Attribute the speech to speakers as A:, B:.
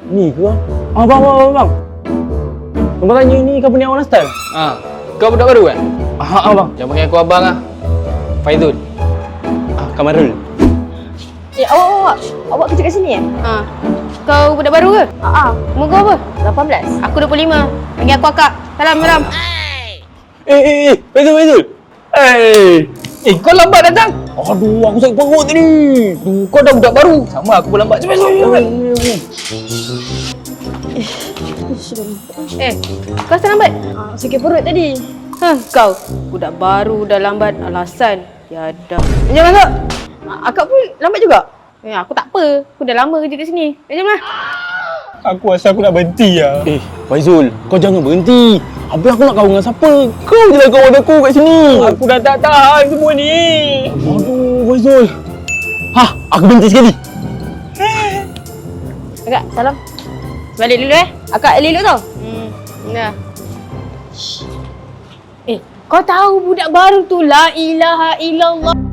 A: Ni ke? Bang. Abang tanya ni company Awana Style?
B: Kau budak baru kan?
A: Bang.
B: Jangan panggil aku abang lah. Faizul.
A: Kamarul.
C: Awak kerja kat sini
D: Kau budak baru ke? Umur kau apa?
C: 18.
D: Aku 25. Panggil aku akak. Salam.
A: Faizul.
B: Kau lambat datang.
A: Aduh, aku sakit perut tadi.
B: Kau dah budak baru. Sama aku pun lambat. Cepat.
D: Kau asal lambat?
C: Sakit perut tadi.
D: Kau budak baru dah lambat. Alasan. Tiada. Jom masuk.
C: Akak pun lambat juga?
D: Aku tak apa. Aku dah lama kerja kat sini. Jom lah.
A: Aku rasa aku nak berhenti lah. Faizul, kau jangan berhenti. Habis aku nak kahwin dengan siapa? Kau je lah kawan aku kat sini.
B: Aku dah tak tahan semua ni.
A: Aduh, Faizul. Aku berhenti sekali.
D: Akak, salam. Balik dulu
C: Akak elok tau.
D: Dah. Kau tahu budak baru tu la ilaha illallah.